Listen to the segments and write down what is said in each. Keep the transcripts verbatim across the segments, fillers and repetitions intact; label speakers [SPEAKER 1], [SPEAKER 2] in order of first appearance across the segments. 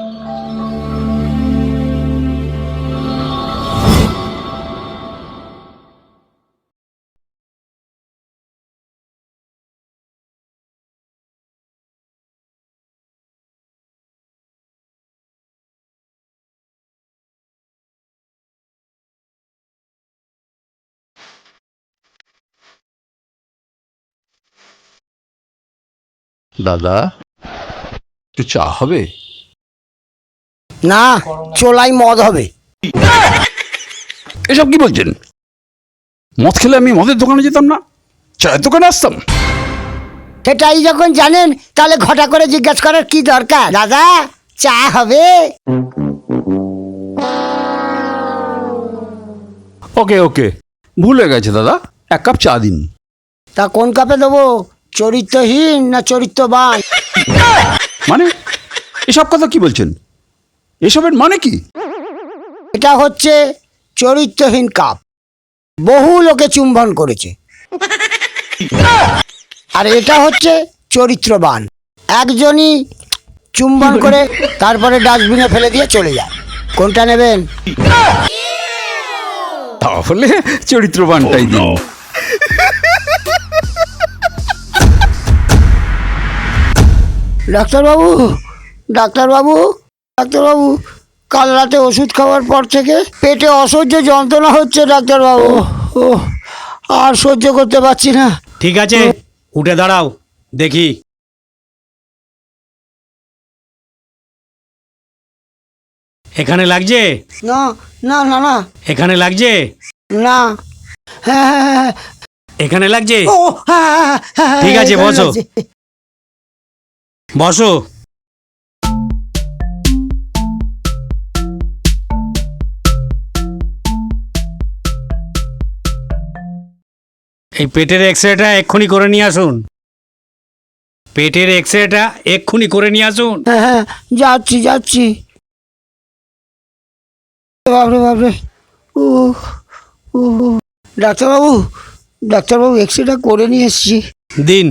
[SPEAKER 1] দাদা একটু চা হবে?
[SPEAKER 2] না, চোলাই মদ হবে।
[SPEAKER 1] এসব কি বলছেন? মদ খেলে আমি মদের দোকানে যেতাম না, চায়ের দোকানে আসতাম।
[SPEAKER 2] সেটাই যখন জানেন তাহলে ঘটা করে জিজ্ঞাসা করার কি দরকার? দাদা চা হবে?
[SPEAKER 1] ওকে ওকে, ভুলে গেছে দাদা, এক কাপ চা দিন।
[SPEAKER 2] তা কোন কাপে দেবো? চরিত্রহীন না চরিত্রবান?
[SPEAKER 1] মানে এসব কথা কি বলছেন? এসবের মানে কি?
[SPEAKER 2] এটা হচ্ছে চরিত্রহীন কাপ, বহু লোকে চুম্বন করেছে। আর এটা হচ্ছে চরিত্রবান, একজনই চুম্বন করে তারপরে ডাস্টবিনে ফেলে দিয়ে চলে যায়। কোনটা নেবেন?
[SPEAKER 1] তাহলে চরিত্রবানটাই দিন।
[SPEAKER 2] ডাক্তারবাবু, ডাক্তারবাবু, ডাক্তারবাবু, কাল রাতে ওষুধ খাওয়ার পর থেকে পেটে অসহ্য যন্ত্রণা হচ্ছে ডাক্তারবাবু। ও আর সহ্য করতে পারছি না।
[SPEAKER 3] ঠিক আছে, উঠে দাঁড়াও দেখি। এখানে লাগছে?
[SPEAKER 2] না না না না।
[SPEAKER 3] এখানে লাগছে?
[SPEAKER 2] না। হ্যাঁ হ্যাঁ হ্যাঁ।
[SPEAKER 3] এখানে লাগছে?
[SPEAKER 2] ও হ্যাঁ হ্যাঁ হ্যাঁ।
[SPEAKER 3] ঠিক আছে, বসো বসো। এই পেটের এক্সরেটা এক্ষুনি করে নিয়ে আসুন। পেটের এক্সরেটা এক্ষুনি করে নিয়ে আসুন।
[SPEAKER 2] হ্যাঁ হ্যাঁ, যাচ্ছি যাচ্ছি। বাবরে বাবরে। ও ও ডাক্তারবাবু, ডাক্তারবাবু এক্সরেটা করে নিয়ে এসছি।
[SPEAKER 3] দিন।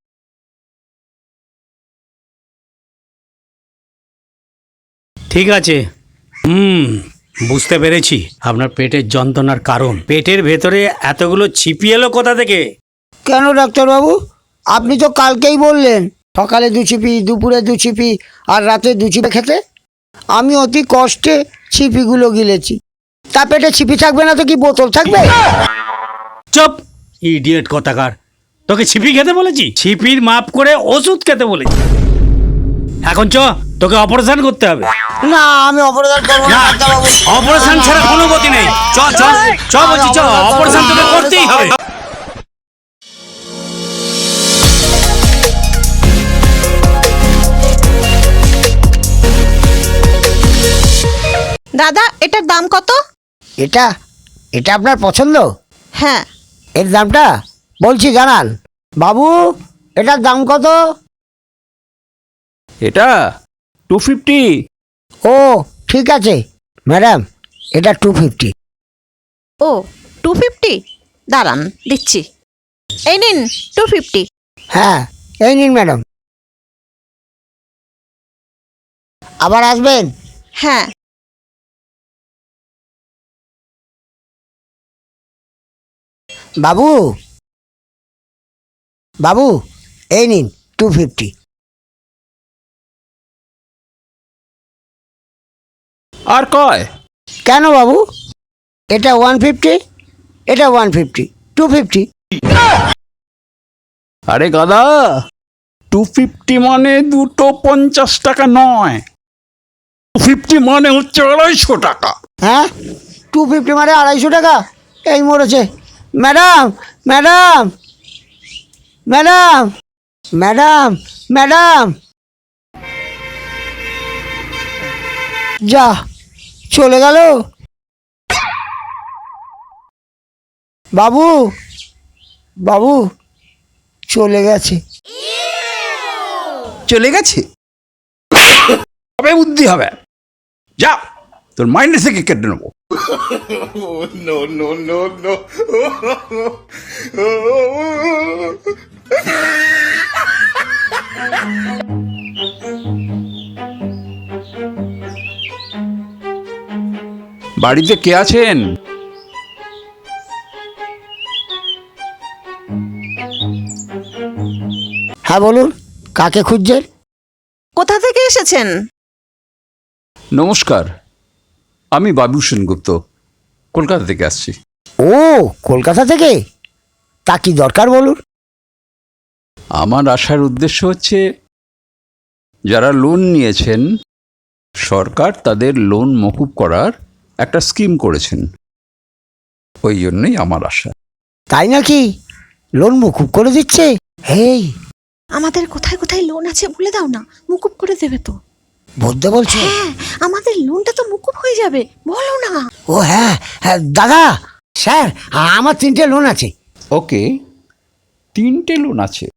[SPEAKER 3] ঠিক আছে, হুম বুঝতে পেরেছি আপনার পেটের যন্ত্রণার কারণ। পেটের ভেতরে এতগুলো ছিপি এলো কোথা থেকে?
[SPEAKER 2] কেন ডাক্তারবাবু? আপনি তো কালকেই বললেন সকালে দু ছিপি, দুপুরে দু ছিপি, আর রাতে দু ছিপি খেতে। আমি অতি কষ্টে ছিপিগুলো গিলেছি। তা পেটে ছিপি থাকবে না তো কি বোতল থাকবে?
[SPEAKER 3] চুপ ইডিয়েট কথাকার। তোকে ছিপি খেতে বলেছি? ছিপির মাপ করে ওষুধ খেতে বলেছি। এখন চ, তোকে অপারেশন করতে হবে।
[SPEAKER 2] না, আমি অপারেশন করবো না ডাক্তারবাবু।
[SPEAKER 3] অপারেশন ছাড়া কোনো গতি নেই। চ চ চ বলছি, চ, অপারেশন তোকে করতেই হবে।
[SPEAKER 4] দাদা এটার দাম কত?
[SPEAKER 2] এটা এটা আপনার পছন্দ?
[SPEAKER 4] হ্যাঁ।
[SPEAKER 2] এর দামটা বলছি জানান। বাবু, এটার দাম কত?
[SPEAKER 1] এটা টু ফিফটি।
[SPEAKER 2] ও ঠিক আছে ম্যাডাম, এটা টু ফিফটি।
[SPEAKER 4] ও টু ফিফটি, দাঁড়ান দিচ্ছি। এই নিন টু ফিফটি।
[SPEAKER 2] হ্যাঁ এই নিন ম্যাডাম। আবার আসবেন?
[SPEAKER 4] হ্যাঁ।
[SPEAKER 2] বাবু, বাবু এই নিন টু ফিফটি।
[SPEAKER 1] আর কয়?
[SPEAKER 2] কেন বাবু? এটা ওয়ান ফিফটি, এটা ওয়ান ফিফটি, টু ফিফটি।
[SPEAKER 1] আরে গাদা, টু ফিফটি মানে দুটো পঞ্চাশ টাকা নয়, টু ফিফটি মানে হচ্ছে আড়াইশো টাকা।
[SPEAKER 2] হ্যাঁ, টু ফিফটি মানে আড়াইশো টাকা? এই মরেছে। Madam, madam, madam, madam, madam, যা চলে গেল। বাবু, বাবু চলে গেছে।
[SPEAKER 1] চলে গেছে? তবে বুদ্ধি হবে। যা, তোর মাইন্ড থেকে কেটে নেবো।
[SPEAKER 5] no, no, no, no.
[SPEAKER 1] বাড়িতে কে আছেন?
[SPEAKER 2] হ্যাঁ বলুন, কাকে খুঁজছেন?
[SPEAKER 4] কোথা থেকে এসেছেন?
[SPEAKER 1] নমস্কার, আমি বাবু সেনগুপ্ত, কলকাতা থেকে আসছি।
[SPEAKER 2] ও, কলকাতা থেকে? তা কি দরকার বলুন?
[SPEAKER 1] আমার আসার উদ্দেশ্য হচ্ছে, যারা লোন নিয়েছেন সরকার তাদের লোন মকুব করার একটা স্কিম করেছেন, ওই জন্যই আমার আশা।
[SPEAKER 2] তাই নাকি? লোন মুকুব করে দিচ্ছে? হেই,
[SPEAKER 4] আমাদের কোথায় কোথায় লোন আছে বলে দাও না, মুকুব করে দেবে তো।
[SPEAKER 2] বলতে বলছো?
[SPEAKER 4] হ্যাঁ, আমাদের লোনটা তো মুকুব হয়ে যাবে, বলো না।
[SPEAKER 2] ও হ্যাঁ হ্যাঁ দাদা, স্যার আমার তিনটে লোন আছে।
[SPEAKER 1] ওকে, তিনটে লোন আছে।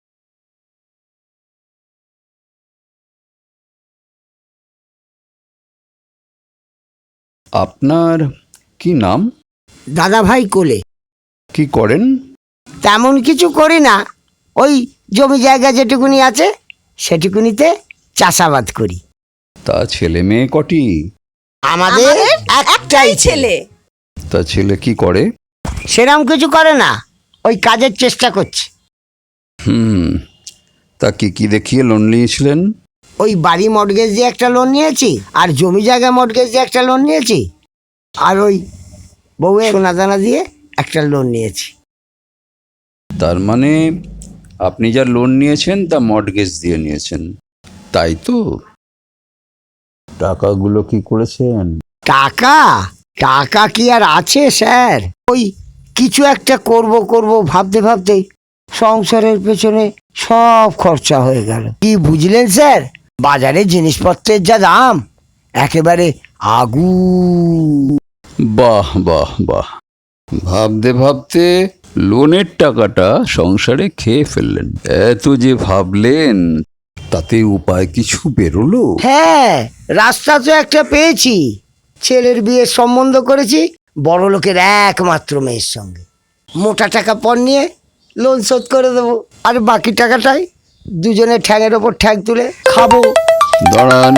[SPEAKER 1] আপনার কি নাম?
[SPEAKER 2] দাদা ভাই কোলে।
[SPEAKER 1] কি করেন?
[SPEAKER 2] তেমন কিছু করি না, ওই জমি জায়গা যেটুকুনি আছে সেটুকুনিতে চাষাবাদ করি।
[SPEAKER 1] তা ছেলে মেয়ে কটি?
[SPEAKER 2] আমাদের একটাই ছেলে।
[SPEAKER 1] তা ছেলে কি করে?
[SPEAKER 2] সেরম কিছু করে না, ওই কাজের চেষ্টা করছে।
[SPEAKER 1] হুম, তা কি কি দেখিয়ে লোন নিয়েছিলেন?
[SPEAKER 2] ওই বাড়ি মর্টগেজ দিয়ে একটা লোন নিয়েছি, আর জমি জায়গা মর্টগেজ দিয়ে একটা লোন নিয়েছি, আর ওই বউয়ের সোনা দানা দিয়ে একটা লোন নিয়েছি।
[SPEAKER 1] তার মানে আপনি যা লোন নিয়েছেন তা মর্টগেজ দিয়ে নিয়েছেন, তাই তো? টাকাগুলো কি করেছেন?
[SPEAKER 2] টাকা টাকা কি আর আছে স্যার? ওই কিছু একটা করব করব ভাবতে ভাবতে সংসারের পেছনে সব খরচা হয়ে গেল। কি বুঝলেন স্যার, বাজারে জিনিসপত্রের যা দাম, একেবারে আগুন।
[SPEAKER 1] বাহ বাহ বাহ, ভাবতে ভাবতে লোনের টাকাটা সংসারে খেয়ে ফেললেন। এত যে ভাবলেন, তাতে উপায় কিছু বেরোলো?
[SPEAKER 2] হ্যাঁ, রাস্তা তো একটা পেয়েছি। ছেলের বিয়ের সম্বন্ধ করেছি বড় লোকের একমাত্র মেয়ের সঙ্গে। মোটা টাকা পণ নিয়ে লোন শোধ করে দেবো, আর বাকি টাকাটাই দুজনে ঠ্যাঙের ওপর ঠ্যাং তুলে খাবো।
[SPEAKER 1] দাঁড়ান,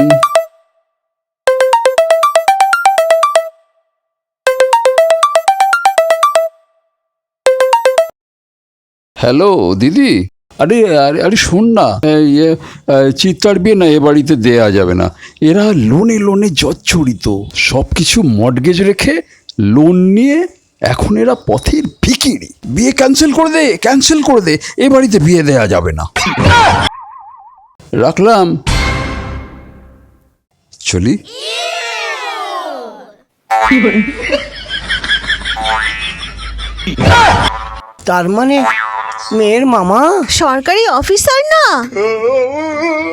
[SPEAKER 1] হ্যালো দিদি, আরে আরে আরে শোন না, এই, এ, চিত্তার বিয়ে না এ বাড়িতে দেয়া যাবে না। এরা লোনে লোনে জর্জরিত, সব কিছু মর্টগেজ রেখে লোন নিয়ে এখন এরা পথের ভিখিরি। বিয়ে ক্যান্সেল করে দে, ক্যান্সেল করে দে, এ বাড়িতে বিয়ে দেয়া যাবে না। রাখলাম, চলি।
[SPEAKER 2] তার মানে মেয়ের মামা
[SPEAKER 4] সরকারি অফিসার না,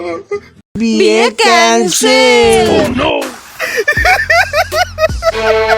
[SPEAKER 2] বিয়ে ক্যান্সেল।